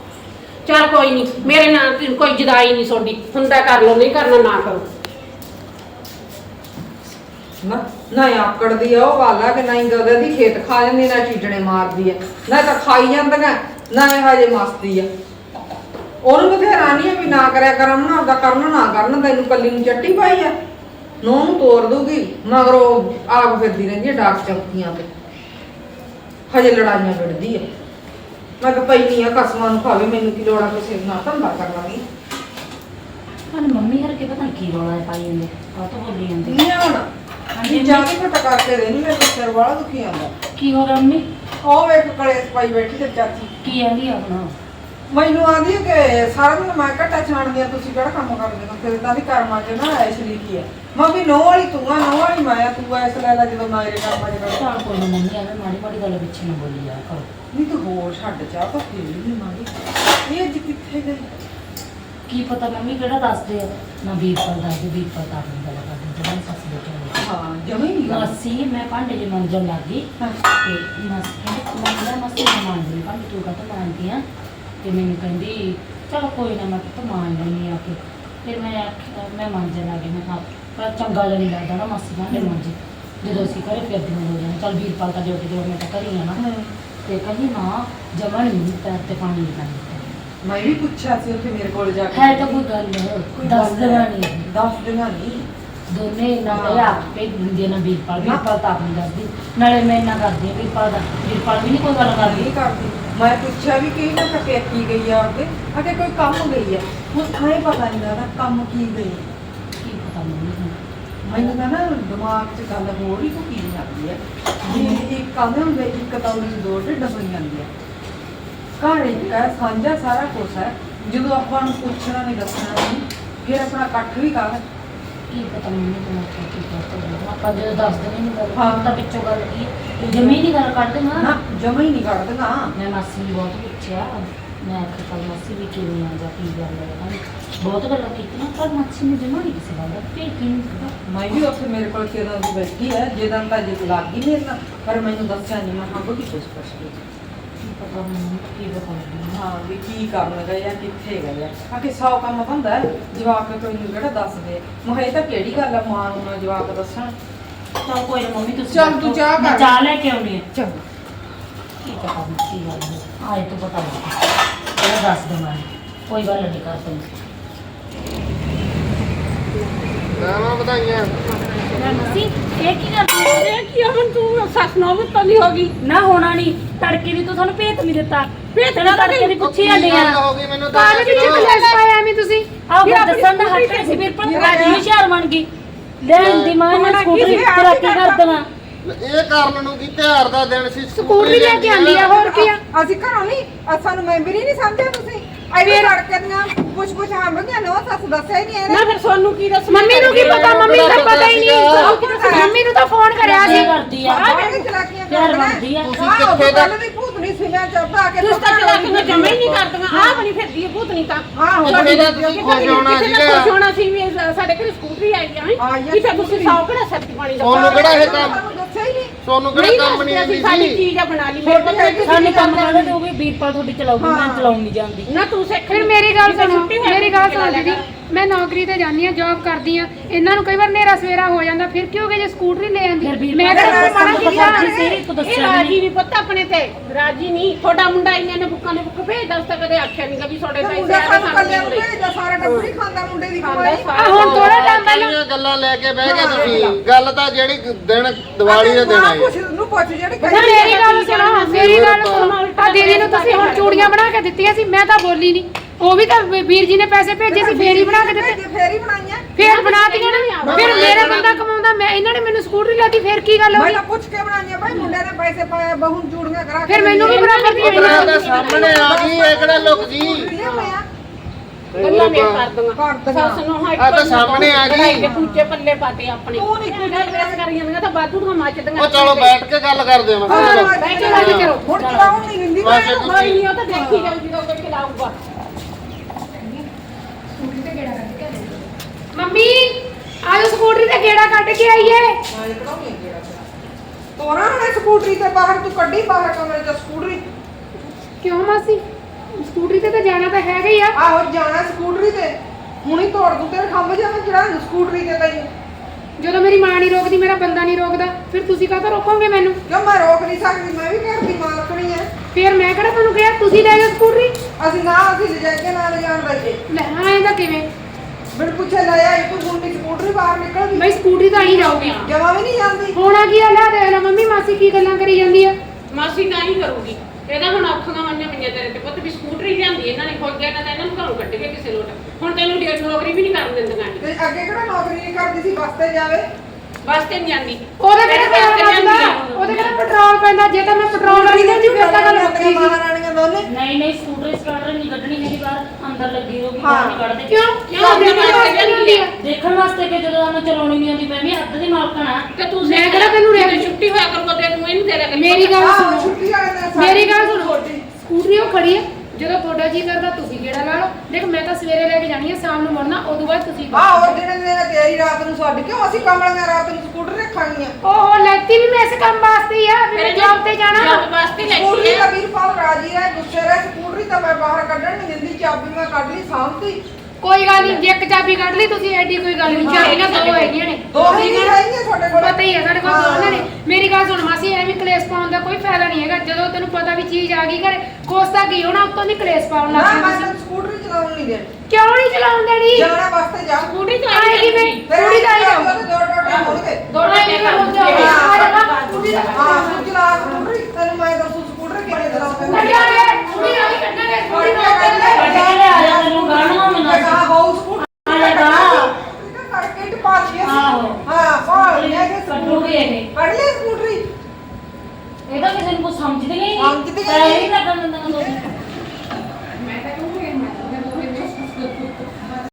ਚੱਲ ਕੋਈ ਨਹੀਂ ਮੇਰੇ ਨਾਲ ਤੇ ਕੋਈ ਜਦਾਈ ਨਹੀਂ ਤੁਹਾਡੀ ਹੁੰਦਾ ਕਰ ਲਓ ਨਹੀਂ ਕਰਨਾ ਨਾ ਕਰੋ
ਨਾ ਨਾ ਆਕੜਦੀ ਆ ਉਹ ਵਾਲਾ ਕਿ ਨਹੀਂ ਗਗਨ ਦੀ ਖੇਤ ਖਾ ਜਾਂਦੀ ਨਾ ਚੀਟਣੇ ਮਾਰਦੀ ਆ ਨਾ ਤਾਂ ਖਾਈ ਜਾਂਦੀਆਂ ਨਾ ਇਹ ਹਜੇ ਮਸਤੀ ਆ ਉਹਨੂੰ ਬਥੇਰਾ ਨਹੀਂ ਆ ਵੀ ਨਾ ਕਰਿਆ ਕਰਮ ਨਾ ਆਪਦਾ ਕਰਨ ਨਾ ਕਰਨ ਤੈਨੂੰ ਕੱਲੀ ਨੂੰ ਚੱਟੀ ਪਾਈ ਆ ਨੂੰਹ ਨੂੰ ਤੋੜ ਦੂਗੀ ਮਗਰ ਉਹ ਆਪ ਫਿਰਦੀ ਰਹਿੰਦੀ ਆ ਡਾਕ ਚੌਕੀਆਂ ਤੇ ਹਜੇ ਲੜਾਈਆਂ ਵਿੜਦੀ ਆ ਮੈਂ ਤਾਂ ਪਈ ਨਹੀਂ ਆ ਕਸਮਾਂ ਨੂੰ ਖਾਵੇ ਮੈਨੂੰ ਕੀ ਲੋੜ ਆ ਕਿਸੇ ਨਾਲ ਧੰਦਾ ਕਰਨ ਦੀ
ਹਾਂ ਮੰਮੀ ਹਰ ਕੇ ਪਤਾ ਨੀ ਕੀ ਰੌਲਾ ਪਾਈ ਜਾਂਦੇ ਆ ਤਾਂ ਬੋਲੀ ਜਾਂਦੇ
ਨਹੀਂ ਆਉਣਾ
ਹਾਂਜੀ
ਜਾ ਕੇ ਪਤਾ ਕਰਕੇ ਦੇ ਨਹੀਂ ਮੇਰੇ ਸਿਰ ਵਾਲਾ ਦੁਖੀ ਆਉਂਦਾ
ਕੀ ਹੋ ਰਿਹਾ ਮੰਮੀ
ਉਹ ਵੇਖ ਕਲੇਸ਼ ਪਾਈ ਬੈਠੀ ਤੇ ਚਾਚੀ
ਕੀ ਆਂਦੀ ਆ ਹੁਣ
ਮੈਨੂੰ ਆਂਦੀ ਕਿ ਸਾਰਾ ਦਿਨ ਮੈਂ ਘਟਾ ਛਾਣਦੀ ਆ ਤੁਸੀਂ ਕਿਹੜਾ ਕੰਮ ਕਰਦੇ ਹੋ ਫਿਰ ਤਾਂ ਦੀ ਕਰਮਾਂ ਚ ਨਾ ਐ ਸ਼ਰੀਕੀ ਆ ਮੈਂ ਵੀ ਨੋ ਵਾਲੀ ਤੂੰ ਆ ਨੋ ਵਾਲੀ ਮੈਂ ਆ ਤੂੰ ਐਸ ਲੈ ਲੈ ਜਦੋਂ ਮੇਰੇ ਕਰਮਾਂ ਚ ਕਰ
ਚਾਲ ਕੋਈ ਨਾ ਮੰਮੀ ਐਵੇਂ ਮਾੜੀ ਮਾੜੀ ਗੱਲ ਪਿੱਛੇ ਨਾ ਬੋਲੀ ਜਾ ਕਰੋ
ਨਹੀਂ ਤੂੰ ਹੋਰ ਛੱਡ ਜਾ ਤਾਂ ਫੇਰ ਨਹੀਂ ਮੰਗੀ ਇਹ ਅੱਜ ਕਿੱਥੇ ਗਈ
ਕੀ ਪਤਾ ਮੰਮੀ ਕਿਹੜਾ ਦੱਸਦੇ ਆ ਨਾ ਵੀਰਪਾਲ ਦੱਸਦੇ ਵੀਰਪਾਲ ਤਾਂ ਆਪਣੀ ਗੱਲ ਕਰਦੇ ਜਦੋਂ ਸੱਸ ਬੈਠੇ ਹੋਏ
ਹਾਂ ਜਮੇ ਨਹੀਂ ਗਾ
ਮਾਸੀ ਮੈਂ ਭਾਂਡੇ ਜੇ ਮੰਜਣ ਲੱਗ ਗਈ
ਹਾਂ।
ਤੇ ਮਾਸੀ ਕਹਿੰਦੀ ਮੈਂ ਕਿਹਾ ਮਾਸੀ ਮੈਂ ਮੰਨਦੀ ਭਾਂਡੇ ਤੂੰ ਕਾ ਮੰਨਦੀ ਆ ਤੇ ਮੈਨੂੰ ਕਹਿੰਦੀ ਚਲ ਕੋਈ ਨਾ ਮੈਂ ਤਾਂ ਮੰਨ ਲੈਣੀ ਆ ਕੇ ਫਿਰ ਮੈਂ ਆਖਿਆ ਮੈਂ ਮੰਜਣ ਲੱਗ ਗਈ ਮੈਂ ਕਿਹਾ ਪਰ ਚੰਗਾ ਜਿਹਾ ਨਹੀਂ ਲੱਗਦਾ ਨਾ ਮਾਸੀ ਭਾਂਡੇ ਮਾਂਜੇ ਜਦੋਂ ਅਸੀਂ ਘਰੇ ਫਿਰਦੀਆਂ ਹੋ ਜਾਣਾ ਚਲ ਵੀਰਪਾਲ ਤਾਂ ਜੋ ਕਿ ਜੋ ਮੈਂ ਤਾਂ ਘਰੀ ਆ ਨਾ ਤੇ ਕਹਿੰਦੀ ਨਾ ਜਮਾ ਨਹੀਂ ਪੈਰ ਤੇ ਪਾਣੀ ਨਹੀਂ ਪੈਂਦਾ
ਮੈਂ ਵੀ ਪੁੱਛਿਆ ਸੀ ਉੱਥੇ ਮੇਰੇ ਕੋਲ ਜਾ ਕੇ
ਹੈ ਤਾਂ ਕੋਈ ਗੱਲ
ਕੋਈ
ਦੱਸ
ਗੱਲ
ਦੇਣਾ ਨਹੀਂ
ਦੱਸ ਦੇਣਾ ਨਹੀਂ
ਦੋਨੇ ਨਾ ਇਹ ਆਪ ਭੇਜ ਦਿੰਦੀ ਆ ਨਾ ਵੀਰਪਾਲ ਵੀਰਪਾਲ ਤਾਂ ਆਪ ਨਹੀਂ ਦੱਸਦੀ ਨਾਲੇ ਮੈਂ ਇੰਨਾ ਕਰਦੀ ਆ ਵੀਰਪਾਲ ਦਾ ਵੀਰਪਾਲ ਵੀ ਨਹੀਂ ਕੋਈ ਗੱਲ ਕਰਦੀ
ਨਹੀਂ ਕਰਦੀ ਮੈਂ ਪੁੱਛਿਆ ਵੀ ਕਿ ਨਾ ਕਿ ਕੀ ਗਈ ਆ ਆਪਦੇ ਅਗੇ ਕੋਈ ਕੰਮ ਗਈ ਆ ਹੁਣ ਖਾਏ ਪਤਾ ਨਹੀਂ ਲੱਗਦਾ ਕੰਮ ਕੀ ਗਏ।
ਕੀ ਪਤਾ ਮੰਮੀ ਨੂੰ।
ਮੈਨੂੰ ਤਾਂ ਨਾ ਦਿਮਾਗ 'ਚ ਗੱਲ ਹੋਰ ਹੀ ਘੁਕੀ ਜਾਂਦੀ ਹੈ ਵੀ ਇੱਕ ਕਹਿੰਦੇ ਹੁੰਦੇ ਇੱਕ ਤੌਲੀ 'ਚ ਦੋ ਢਿੱਡ ਬਣ ਜਾਂਦੇ ਆ। ਘਰ ਇੱਕ ਹੈ, ਸਾਂਝਾ ਸਾਰਾ ਕੁਛ ਹੈ। ਜਦੋਂ ਆਪਾਂ ਨੂੰ ਪੁੱਛਣਾ ਨਹੀਂ ਦੱਸਣਾ ਨਹੀਂ ਫਿਰ ਆਪਣਾ ਇਕੱਠ ਵੀ ਕਰ।
ਕੀ ਪਤਾ ਮੰਮੀ ਨੂੰ ਆਪਾਂ ਕੀ ਕਰਦੇ ਆਪਾਂ ਜਦੋਂ ਦੱਸਦੇ ਨਹੀਂ ਗੱਲ
ਹਾਂ।
ਤਾਂ ਵਿੱਚੋਂ ਗੱਲ ਕੀ ਹੈ ਜਮੀ ਦੀ ਗੱਲ ਕੱਢ ਦੇਣਾ।
ਨਾ ਜਮਾ ਹੀ ਨਹੀਂ ਕੱਢਦੀਆਂ।
ਮੈਂ ਮਾਸੀ ਨੂੰ ਬਹੁਤ ਪੁੱਛਿਆ ਮੈਂ ਆਖਿਆ ਕੱਲ ਮਾਸੀ ਵੀ ਕਿਵੇਂ ਆ ਜਾਂ ਕੀ ਗੱਲ ਹੈ ਕਹਿੰਦੀ ਬਹੁਤ ਗੱਲਾਂ ਕੀਤੀਆਂ ਪਰ ਮਾਸੀ ਨੇ ਜਮਾ ਨਹੀਂ ਕਿਸੇ ਗੱਲ ਦਾ ਫਿਰ ਕੀ ਨਹੀਂ ਪਤਾ।
ਮੈਂ ਵੀ ਉੱਥੇ ਮੇਰੇ ਕੋਲ ਕਿਹਨਾਂ ਦੀ ਬੈਠੀ ਹੈ ਜਿਹਦਾ ਤਾਂ ਜੇ ਲੱਗ ਹੀ ਮੇਰੇ ਨਾਲ ਪਰ ਮੈਨੂੰ ਦੱਸਿਆ ਨਹੀਂ। ਮੈਂ ਹਾਂ ਬੜੀ ਕੁਛ ਪੁੱਛ ਲਈ
ਕੀ ਪਤਾ ਮੈਨੂੰ ਕੀ ਬਤਾਉਂਦੀ
ਹਾਂ ਵੀ ਕੀ ਕਰਨ ਗਏ ਆ ਕਿੱਥੇ ਗਏ ਆ ਆ ਕਿ ਸੌ ਕੰਮ ਹੁੰਦਾ ਹੈ ਜਵਾਕ ਕੋਈ ਨੂੰ ਕਿਹੜਾ ਦੱਸਦੇ ਮੈਂ ਕਿਹਾ ਇਹ ਤਾਂ ਕਿਹੜੀ ਗੱਲ ਆ ਮਾਂ ਨੂੰ ਨਾ ਜਵਾਕ ਦੱਸਣ।
ਚਲ ਕੋਈ ਨਾ ਮੰਮੀ ਤੁਸੀਂ
ਚੱਲ ਤੂੰ ਚਾਹ
ਮੈਂ
ਕਰ।
ਚਾਹ ਲੈ ਕੇ ਆਉਣੀ ਹੈ।
ਚੰਗਾ
ਕੀ ਪਤਾ ਹੁਣ ਕੀ ਗੱਲ ਹੈ ਆਏ ਤੋਂ ਪਤਾ ਨਹੀਂ ਇਹ ਦੱਸ ਦੇ ਮੈਂ ਕੋਈ ਗੱਲ ਨਹੀਂ ਕਰ ਤੈਨੂੰ
ਨਾ ਵਧਾਈਆਂ।
ਮਾਸੀ ਇਹ ਕੀ ਕਰਦੀ ਹੈ
ਇਹ ਕੀ ਹੁਣ ਤੂੰ ਸੱਸ ਨੂੰ ਵੀ ਤਲੀ ਹੋ ਗਈ।
ਨਾ ਹੋਣਾ ਨਹੀਂ ਤੜਕੇ ਦੀ ਤੂੰ ਸਾਨੂੰ ਭੇਤ ਨਹੀਂ ਦਿੱਤਾ ਭੇਤ ਨਾ ਤੜਕੇ ਦੀ ਪੁੱਛੀ ਜਾਂਦੇ ਆ
ਹੋ ਗਈ ਮੈਨੂੰ
ਕਾਹਦੇ ਵਿੱਚ ਕਲੇਸ਼ ਪਾਇਆ ਐਵੇਂ ਤੁਸੀਂ?
ਆਹ ਫਿਰ ਦੱਸਣ ਦਾ ਹੱਕ ਸੀ ਵੀਰ ਪਰ ਰਾਜੀ ਹੁਸ਼ਿਆਰ ਬਣ ਗਈ ਲੈਣ ਦੀ ਮਾਂ ਨੇ ਸਕੂਟਰੀ ਤਰੱਕੀ ਕਰ ਦੇਣਾ।
ਇਹ ਕਾਰਨ ਨੂੰ ਕੀ ਤਿਉਹਾਰ ਦਾ ਦਿਨ ਸੀ
ਸਕੂਟਰੀ ਲੈ ਕੇ ਆਂਦੀ ਆ ਹੋਰ ਕੀ ਆ?
ਅਸੀਂ ਘਰੋਂ ਨਹੀਂ ਅ- ਸਾਨੂੰ ਮੈਂਬਰ ਹੀ ਨਹੀਂ ਸਮਝਿਆ ਤੁਸੀਂ ਐਵੇਂ ਲੜਕੇ ਦੀਆਂ ਪੁੱਛ ਪੁੱਛ ਹਾਂ ਬਗਿਆ ਨੋ ਸੱਸ ਦੱਸਿਆ ਹੀ ਨਹੀਂ ਇਹਨੇ
ਨਾ ਫਿਰ ਸੋਨੂੰ ਕੀ ਦੱਸ
ਮੰਮੀ ਨੂੰ ਕੀ ਪਤਾ? ਮੰਮੀ ਨੂੰ ਤਾਂ ਪਤਾ ਹੀ ਨਹੀਂ। ਮੰਮੀ ਨੂੰ ਤਾਂ ਫੋਨ ਕਰਿਆ ਸੀ।
ਕਰਦੀ ਆ
ਆਹ ਚਲਾਕੀਆਂ
ਪਿਆਰ ਬਣਦੀ ਆ
ਤੁਸੀਂ ਕਿੱਥੇ ਦਾ
ਦੀ ਭੂਤਨੀ ਸੁਣਿਆ ਚੱਪਾ ਕੇ
ਤੂੰ ਤਾਂ ਚਲਾਕੀਆਂ ਜਮਾ ਹੀ ਨਹੀਂ ਕਰਦੀਆਂ ਆ ਬਣੀ ਫਿਰਦੀ ਹੈ ਭੂਤਨੀ ਤਾਂ
ਹਾਂ
ਕਿੱਥੇ ਦਾ ਤੁਸੀਂ ਖੁਸ਼ ਹੋਣਾ
ਕਿਸੇ ਦਾ
ਸੀਗਾ
ਖੁਸ਼ ਹੋਣਾ ਸੀ ਵੀ ਇਹ ਸਾਡੇ ਘਰੇ ਸਕੂਟਰੀ ਆਈ ਆ
ਹਾਂ, ਇਹ
ਕਿਸੇ ਤੁਸੀਂ ਸੌ ਕਿਹੜਾ ਸੱਤੀ ਪਾਣੀ ਦਾ
ਸੋਨੂੰ ਕਿਹੜਾ ਇਹ ਕੰਮ
ਸਾਨੂੰ ਦੱਸਿਆ ਹੀ ਨਹੀਂ
ਸੋਨੂੰ ਕਿਹੜਾ
ਨਹੀਂ
ਕੰਮ ਨਹੀਂ
ਦੱਸਦੇ
ਆਉਂਦੀ
ਅਸੀਂ ਸਾਡੀ
ਸੀ
ਚੀਜ਼ ਆ ਬਣਾ ਲਈ ਮੇਰੇ ਕੋਲ ਤਾਂ
ਸਾਨੂੰ ਕੰਮ ਕਰਦੇ ਤੇ ਉਹ ਵੀ ਵੀਰਪਾਲ ਤੁਹਾਡੀ ਚਲਾਉਗੀ ਮੈਂ ਚਲਾਉਣ ਨਹੀਂ ਜਾਂਦੀ
ਨਾ ਤੂੰ ਸਿੱਖ
ਫਿਰ ਮੇਰੀ ਗੱਲ ਸੁਣੋ ਮੇਰੀ ਗੱਲ ਸੁਣੋ ਦੀਦੀ ਮੈਂ ਨੌਕਰੀ ਤੇ ਜਾਂਦੀ ਆ ਜੌਬ ਕਰਦੀ ਆ ਇਹਨਾਂ ਨੂੰ ਕਈ ਵਾਰ ਨੇਰਾ ਸਵੇਰਾ ਹੋ ਜਾਂਦਾ ਫਿਰ ਕੀ ਹੋ ਗਿਆ ਜੇ ਸਕੂਟਰੀ ਲੈ ਆਂਦੀ
ਫਿਰ ਵੀਰ
ਮੈਂ ਕਿਹੜਾ
ਮਾੜਾ
ਮਾੜਾ ਕੀਤਾ
ਸੀ ਤੂੰ
ਇਹ
ਦੱਸਿਆ
ਰਾਜੀ
ਨਹੀਂ
ਵੀ ਪੁੱਤ ਆਪਣੇ ਤੇ ਰਾਜੀ ਨਹੀਂ ਤੁਹਾਡਾ ਮੁੰਡਾ ਇੰਨੇ ਨੇ ਬੁੱਕਾਂ ਦੇ ਬੁੱਕ ਭੇਜ ਦੱਸ ਤਾਂ ਕਦੇ ਆਖਿਆ ਨਹੀਂਗਾ ਵੀ ਤੁਹਾਡੇ ਪੈਸੇ
ਮੁੰਡਾ
ਆ
ਸਾਨੂੰ
ਸਾਨੂੰ
ਕੱਲਿਆਂ ਨੂੰ
ਨਹੀਂ
ਭੇਜਦਾ ਸਾਰਾ ਟੱਬਰ ਹੀ ਖਾਂਦਾ ਮੁੰਡੇ ਦੀ
ਖਾਂਦਾ
ਕਮਾਈ
ਸਾਰਾ
ਆ ਹੁਣ ਥੋੜਾ ਟਾਈਮ ਪਹਿਲਾਂ
ਕਿਹੜੀਆਂ ਗੱਲਾਂ ਲੈ ਕੇ ਬਹਿ ਗਏ ਤੁਸੀਂ ਗੱਲ ਤਾਂ ਜਿਹੜੀ ਦਿਨ ਦੀਵਾਲੀ ਦੇ ਦਿਨ ਆਈ
ਕੁਛ ਨੂੰ ਪੁੱਛ ਜਿਹੜੀ
ਨਾ ਮੇਰੀ ਗੱਲ ਸੁਣੋ ਮੇਰੀ ਗੱਲ ਸੁਣੋ ਆ ਦੀਦੀ ਨੂੰ ਤੁਸੀਂ ਹੁਣ ਚੂੜੀਆਂ ਬਣਾ ਕੇ ਦਿੱਤੀਆਂ ਸੀ ਮੈਂ ਤਾਂ ਬੋਲੀ ਨਹੀਂ ਉਹ ਵੀ ਤਾਂ ਵੀਰ ਜੀ ਨੇ ਪੈਸੇ ਭੇਜੇ ਸੀ ਫੇਰ ਹੀ ਬਣਾ ਕੇ ਦਿੱਤੇ
ਫੇਰ ਹੀ ਬਣਾਈਆਂ
ਫੇਰ ਬਣਾਤੀਆਂ ਨਾ ਫਿਰ ਮੇਰਾ ਬੰਦਾ ਕਮਾਉਂਦਾ ਮੈਂ ਇਹਨਾਂ ਨੇ ਮੈਨੂੰ ਸਕੂਟਰੀ ਲਾਤੀ ਫੇਰ ਕੀ ਗੱਲ ਹੋ
ਮੈਂ
ਗਈ
ਤਾਂ ਪੁੱਛ ਕੇ ਬਣਾਈਆਂ ਭਾਈ ਮੁੰਡੇ ਨੇ ਪੈਸੇ ਪਾਏ ਬਹੂ ਨੂੰ ਚੂੜੀਆਂ ਕਰਾ ਕੇ
ਫਿਰ ਮੈਨੂੰ ਵੀ ਬਰਾਬਰ ਦੀ
ਉਹਨਾਂ ਦੇ ਸਾਹਮਣੇ ਆ ਗਈ ਇਹ ਕਿਹੜਾ ਲੁਕ ਜੀ
ਇਹ ਹੋਇਆ
ਗੱਲਾਂ ਮੈਂ ਕਰ ਦੂੰਗਾ
ਕਰ ਦੂੰਗਾ।
ਸੱਸ ਨੂੰ ਹਾਈ
ਆ ਤਾਂ ਸਾਹਮਣੇ ਆ ਗਈ।
ਲੜਾਈ ਦੇ ਪੂਚੇ ਪੱਲੇ ਪਾਤੇ ਆਪਣੇ
ਤੂੰ ਨੀ
ਤੂੰ ਗੱਲ ਕਰੀ ਜਾਂਦੀਆਂ ਤਾਂ ਬਾਦੂ ਦੀਆਂ ਮੱਚਦੀਆਂ
ਉਹ ਚਲੋ ਬੈਠ ਕੇ ਗੱਲ ਕਰਦੇ ਹਾਂ
ਹਾਂ,
ਚਲੋ
ਬੈਠ ਕੇ ਗੱਲ ਕਰੋ। ਹੁਣ ਚਲਾਉਣ ਨਹੀਂ ਦਿੰਦੀ ਮੈਂ
ਵੈਸੇ
ਇਹਨੂੰ।
ਕੋਈ ਨਹੀਂ ਉਹ ਤਾਂ ਦੇਖੀ ਜਾਊ ਜਦੋਂ ਕੋਈ ਖਿਲਾਊਗਾ
ਮੰਮੀ ਆਜੋ ਸਕੂਟਰੀ ਤੇ ਗੇੜਾ ਕੱਢ ਕੇ ਆਈਏ
ਤੋਰਾ ਹਣੇ ਸਕੂਟਰੀ ਤੇ ਬਾਹਰ ਤੂੰ ਕੱਢੀ ਬਾਹਰ ਕਮਰੇ ਚ ਸਕੂਟਰੀ
ਕਿਉਂ ਮਾਸੀ ਸਕੂਟਰੀ ਤੇ ਤਾਂ ਜਾਣਾ ਤਾਂ ਹੈਗਾ ਹੀ ਆ
ਆਹੋ ਜਾਣਾ ਸਕੂਟਰੀ ਤੇ ਹੁਣੀ ਤੋੜ ਦੂੰ ਤੇਰੇ ਖੰਭ ਜਾ ਮੈਂ ਚੜਾ ਸਕੂਟਰੀ ਤੇ ਤੈਨੂੰ
ਜਦੋਂ ਮੇਰੀ ਮਾਂ ਨਹੀਂ ਰੋਕਦੀ ਮੇਰਾ ਬੰਦਾ ਨਹੀਂ ਰੋਕਦਾ ਫਿਰ ਤੁਸੀਂ ਕਾਹਤੋਂ ਰੋਕੋਗੇ ਮੈਨੂੰ
ਕਿਉਂ ਮੈਂ ਰੋਕ ਨਹੀਂ ਸਕਦੀ ਮੈਂ ਵੀ ਘਰ ਦੀ ਮਾਲਕਣੀ ਐ
ਫਿਰ ਮੈਂ ਕਿਹੜਾ ਤੁਹਾਨੂੰ ਕਿਹਾ ਤੁਸੀਂ ਲੈ ਜਾਓ ਸਕੂਟਰੀ
ਅਸੀਂ ਨਾ ਅਸੀਂ ਲੈ ਕੇ ਨਾ ਲੈ ਜਾਣ ਦਈਏ
ਲੈ ਹਾਂ ਇਹਦਾ ਕਿਵੇਂ
ਬਿਨ ਪੁੱਛੇ ਲੈ ਆਈ ਤੂੰ ਹੁਣ ਦੀ ਸਕੂਟਰੀ ਬਾਹਰ ਨਿਕਲ ਗਈ
ਬਈ ਸਕੂਟਰੀ ਤਾਂ ਆਈ ਜਾਊਗੀ
ਜਮਾ ਵੀ ਨਹੀਂ ਜਾਂਦੀ
ਹੋਣਾ ਕੀ ਆ ਲੈ ਦੇ ਲੈ ਮੰਮੀ ਮਾਸੀ ਕੀ ਗੱਲਾਂ ਕਰੀ ਜਾਂਦੀ ਆ
ਮਾਸੀ ਤਾਂ ਹੀ ਕਰੂਗੀ ਇਹਦਾ ਹੁਣ ਔਖੀਆਂ ਮੰਨੇ ਮੰਨੇ ਤੇਰੇ ਤੇ ਪੁੱਤ ਵੀ ਸਕੂਟਰੀ ਲਿਆਂਦੀ ਇਹਨਾਂ ਨੇ ਖੋਜ ਗਿਆ ਨਾ ਤਾਂ ਇਹਨਾਂ ਨੂੰ ਘਰੋਂ ਕੱਢ ਕੇ ਕਿਸੇ ਲੋਟ ਹੁਣ ਤੈਨੂੰ ਡੇ- ਨੌਕਰੀ ਵੀ ਨਹੀਂ ਕਰਨ ਦਿੰਦੀਆਂ
ਤੇ ਅੱਗੇ ਕਿਹੜਾ ਨੌਕਰੀ ਨਹੀਂ ਕਰਦੀ ਸੀ ਬੱਸ ਤੇ ਜਾਵੇ
ਬਸ ਤੇ ਨਹੀਂ ਜਾਂਦੀ
ਉਹਦੇ ਕਿਹੜਾ ਤੇਲ ਪੈਂਦਾ ਉਹਦੇ ਕਿਹੜਾ ਪੈਟਰੋਲ ਪੈਂਦਾ ਜੇ ਤਾਂ ਮੈਂ ਪੈਟਰੋਲ ਵਾਲੀ ਨਹੀਂ ਫਿਰ ਤਾਂ ਗੱਲ ਵੱਖਰੀ ਸੀ
ਮਹਾਰਾਣੀਆਂ ਦੋਨੇ
ਨਹੀਂ ਨਹੀਂ ਸਕੂਟਰ ਸਟਾਰਟਰ ਨਹੀਂ ਕੱਢਣੀ ਹੈਗੀ ਬਾਹਰ ਅੰਦਰ ਲੱਗੀ ਰਹੂਗੀ
ਹਾਂ।
ਬਾਹਰ ਨਹੀਂ ਕੱਢਦੇ
ਕਿਉਂ ਕਿਉਂ ਦੇਖਣ ਵਾਸਤੇ ਨਹੀਂ ਹੁੰਦੀ ਆ
ਦੇਖਣ ਵਾਸਤੇ ਕਿ ਜਦੋਂ ਉਹਨੂੰ ਚਲਾਉਣੀ ਨਹੀਂ ਆਉਂਦੀ ਮੈਂ ਵੀ ਹੱਥ ਦੀ ਮਾਲਕਣ ਆ
ਤੇ ਤੂੰ
ਮੈਂ ਕਿਹੜਾ ਤੈਨੂੰ
ਜਦੋਂ
ਰੇਟ-
ਛੁੱਟੀ ਹੋਇਆ ਕਰੂਗਾ ਤੈਨੂੰ ਇਹਨੂੰ ਤੇਰਾ ਕਰੀ
ਮੇਰੀ ਗੱਲ
ਆਹ
ਸੁਣੋ
ਛੁੱਟੀ ਵਾਲੇ ਦਿਨ ਸਾਰੀ
ਮੇਰੀ ਗੱਲ ਸੁਣੋ
ਛੋਟੀ।
ਸਕੂਟਰੀ ਉਹ ਖੜੀ ਹੈ ਜਦੋਂ ਤੁਹਾਡਾ ਜੀ ਕਰਦਾ ਤੁਸੀਂ ਗੇੜਾ ਲਾ ਲਓ ਦੇਖ ਮੈਂ ਤਾਂ ਸਵੇਰੇ ਲੈ ਕੇ ਜਾਣੀ ਹੈ ਸ਼ਾਮ ਨੂੰ ਮੁੜਨਾ ਉਦੋਂ ਬਾਅਦ ਤੁਸੀਂ
ਆਹ ਉਹ ਜਿਹੜੇ ਦਿਨ ਤੇਰੀ ਰਾਤ ਨੂੰ ਛੱਡ ਕਿਉਂ ਅਸੀਂ ਕਮਲੀਆਂ ਰਾਤ ਨੂੰ ਸਕੂਟਰ ਰੱਖਾਂਗੀਆਂ
ਓਹੋ ਲੈਤੀ ਵੀ ਮੈਂ ਇਸ ਕੰਮ ਵਾਸਤੇ ਹੀ ਆ ਵੀ ਮੈਂ ਜੌਬ ਤੇ ਜਾਣਾ
ਜੌਬ ਵਾਸਤੇ ਲੈ
ਸਕੂਟਰੀ
ਕੇ
ਦਾ ਵੀਰਪਾਲ ਰਾਜੀ ਹੈ ਗੁੱਸੇ ਰਹਿ ਸਕੂਟਰੀ ਤਾਂ ਮੈਂ ਬਾਹਰ ਕੱਢਣ ਨਹੀਂ ਦਿੰਦੀ ਚਾਬੀ ਮੈਂ ਕੱਢ ਲਈ ਸਾਂਭਤੀ
ਕੋਈ ਗੱਲ ਨਹੀਂ ਜੇ ਇੱਕ ਚਾਬੀ ਕੱਢ ਲਈ ਤੁਸੀਂ ਐਡੀ ਕੋਈ ਗੱਲ ਨਹੀਂ ਚਾਬੀਆਂ ਦੋ ਹੈਗੀਆਂ ਨੇ
ਦੋ ਹੀ ਨਹੀਂ ਹੈਗੀਆਂ ਤੁਹਾਡੇ ਕੋਲ
ਪਤਾ ਹੀ ਹੈ ਸਾਡੇ ਕੋਲ ਦੋਨਾਂ ਨੇ ਮੇਰੀ ਗੱਲ ਸੁਣ ਮਾਸੀ ਐਵੇਂ ਕਲੇਸ਼ ਪਾਉਣ ਦਾ ਕੋਈ ਫਾਇਦਾ ਨਹੀਂ ਹੈਗਾ ਜਦੋਂ ਤੈਨੂੰ ਪਤਾ ਵੀ ਚੀਜ਼ ਆ ਗਈ ਘਰੇ ਕੋਸਤਾ ਕੀ ਹੋਣਾ ਉੱਤੋਂ ਦੀ ਕਲੇਸ਼ ਪਾਉਣ
ਨਾ
ਲੱਗ
ਮੈਂ
ਪਈ
ਤਾਂ ਸਕੂਟਰੀ ਚਲਾਉਣ ਨਹੀਂ ਦੇਣੀ
ਕਿਉਂ ਨਹੀਂ ਚਲਾਉਣ ਦੇਣੀ
ਜਾਣਾ ਵਾਸਤੇ ਜਾ
ਸਕੂਟਰੀ ਤਾਂ
ਆਏ
ਆਈ
ਕਿਵੇਂ
ਫਿਰ
ਕੁੜੀ ਦਾ ਹੀ ਜਾਊ
ਦੋ ਟੋਟੇ ਹੋਣਗੇ
ਦੋ ਟੱਕੇ ਕਰ
ਹਾਂ ਤੂੰ ਚਲਾ ਸਕੂਟਰੀ ਤੈਨੂੰ ਮੈਂ ਦੱਸੂ ਸਕੂਟਰ ਕਿਵੇਂ ਚਲਾਉਂਦੇ ਨੇ
ਕੱਢਿਆ ਰੇ ਕੁੜੀ ਆਈ ਕੱਢਾਂਗੇ ਕੁੜੀ ਨੂੰ
ਕੱਢ ਕੇ ਲਿਆ ਜਾ ਤੈਨੂੰ ਗਾਣਾ ਮੈਨੂੰ ਕਿਸੇ ਨੂੰ ਕੁਝ ਸਮਝਦੀਆਂ ਹੀ ਨਹੀਂ
ਸਮਝਦੀਆਂ
ਪੈਸੇ ਨਹੀਂ ਲੱਗਣ ਦਿੰਦੀਆਂ ਦੋ